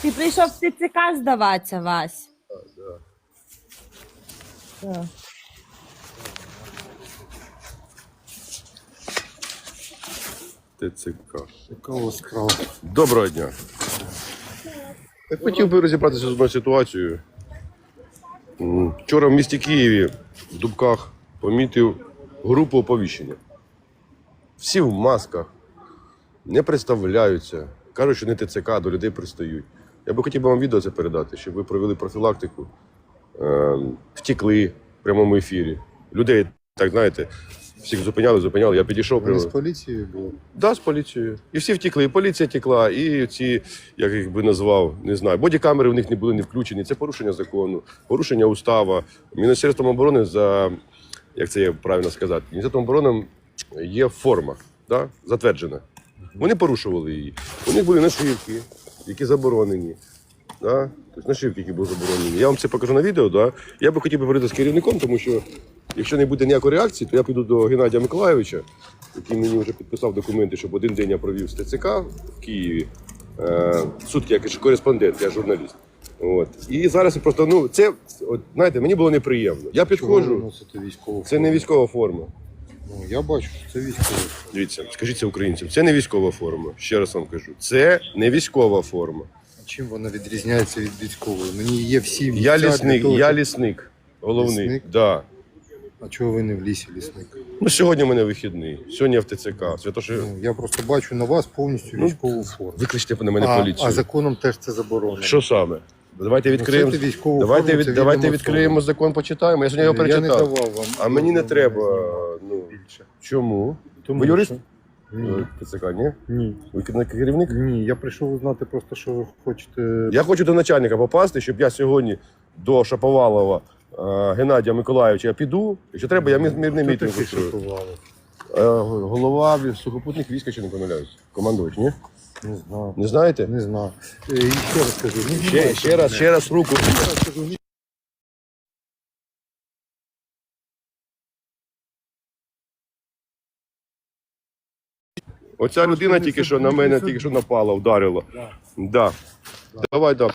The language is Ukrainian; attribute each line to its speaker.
Speaker 1: Ти прийшов в ТЦК здаватися, Вась. Так.
Speaker 2: ТЦК.
Speaker 3: Цікава справа.
Speaker 2: Доброго дня. Я хотів би розібратися з одною ситуацією. Вчора в місті Києві в Дубках помітив групу оповіщення. Всі в масках, не представляються, кажуть, що не ТЦК, до людей пристають. Я би хотів вам відео це передати, щоб ви провели профілактику, втекли в прямому ефірі. Людей, так знаєте, всіх зупиняли, я підійшов.
Speaker 3: Вони з поліцією були?
Speaker 2: Да, з поліцією. І всі втекли, і поліція текла, і ці, як їх би назвав, не знаю, бодікамери в них не були не включені. Це порушення закону, порушення устава. Міністерством оборони за, як це є правильно сказати, Міністерством оборони є форма, да, затверджена. Вони порушували її. У них були нашивки, які заборонені. Да? Тобто нашивки, які були заборонені. Я вам це покажу на відео. Да? Я би хотів поговорити з керівником, тому що якщо не буде ніякої реакції, то я піду до Геннадія Миколайовича, який мені вже підписав документи, щоб один день я провів з ТЦК в Києві. Сутки, як кореспондент, я журналіст. От. І зараз просто, ну, це, от, знаєте, мені було неприємно. Я підходжу, це не військова форма.
Speaker 3: Ну, я бачу, що це військова.
Speaker 2: Дивіться, скажіть це українцям, це не військова форма. Ще раз вам кажу, це не військова форма.
Speaker 3: А чим вона відрізняється від військової? Мені є всі
Speaker 2: Я
Speaker 3: місця
Speaker 2: лісник,
Speaker 3: для того,
Speaker 2: я
Speaker 3: щоб-
Speaker 2: лісник, головний.
Speaker 3: Лісник?
Speaker 2: Да.
Speaker 3: А чого ви не в лісі, лісник?
Speaker 2: Ну, сьогодні в мене вихідний, сьогодні я в ТЦК. Святоше...
Speaker 3: Ну, я просто бачу на вас повністю військову форму.
Speaker 2: Викличте на мене поліцію.
Speaker 3: А законом теж це заборонено.
Speaker 2: Що саме? Давайте відкриємо,
Speaker 3: Носити військову
Speaker 2: давайте,
Speaker 3: форму, це
Speaker 2: давайте
Speaker 3: відомо
Speaker 2: відкриємо
Speaker 3: особам.
Speaker 2: закон, почитаємо. Я сьогодні його
Speaker 3: Я не
Speaker 2: перечитав.
Speaker 3: давав вам.
Speaker 2: А мені не треба. Ну,
Speaker 3: Більше.
Speaker 2: чому?
Speaker 3: Тому
Speaker 2: Ви юрист?
Speaker 3: що- Ні.
Speaker 2: ТЦК, ні?
Speaker 3: Ні.
Speaker 2: Ви керівник?
Speaker 3: Ні, я прийшов узнати просто, що ви хочете.
Speaker 2: Я хочу до начальника попасти, щоб я сьогодні до Шаповалова Геннадія Миколайовича я піду. Якщо треба, я мирний
Speaker 3: Хто
Speaker 2: мітинг
Speaker 3: такий
Speaker 2: устрою.
Speaker 3: Шаповалов?
Speaker 2: Голова сухопутних військ, якщо не помиляюсь. Командувач, ні?
Speaker 3: Не знаю.
Speaker 2: Не знаєте?
Speaker 3: Не знаю. І ще раз скажу. Не знімайте
Speaker 2: Ще раз руку.
Speaker 3: мене. Ще раз кажу, ні.
Speaker 2: Оця людина тільки що на мене тільки що напала, вдарила. Да. Давай, да.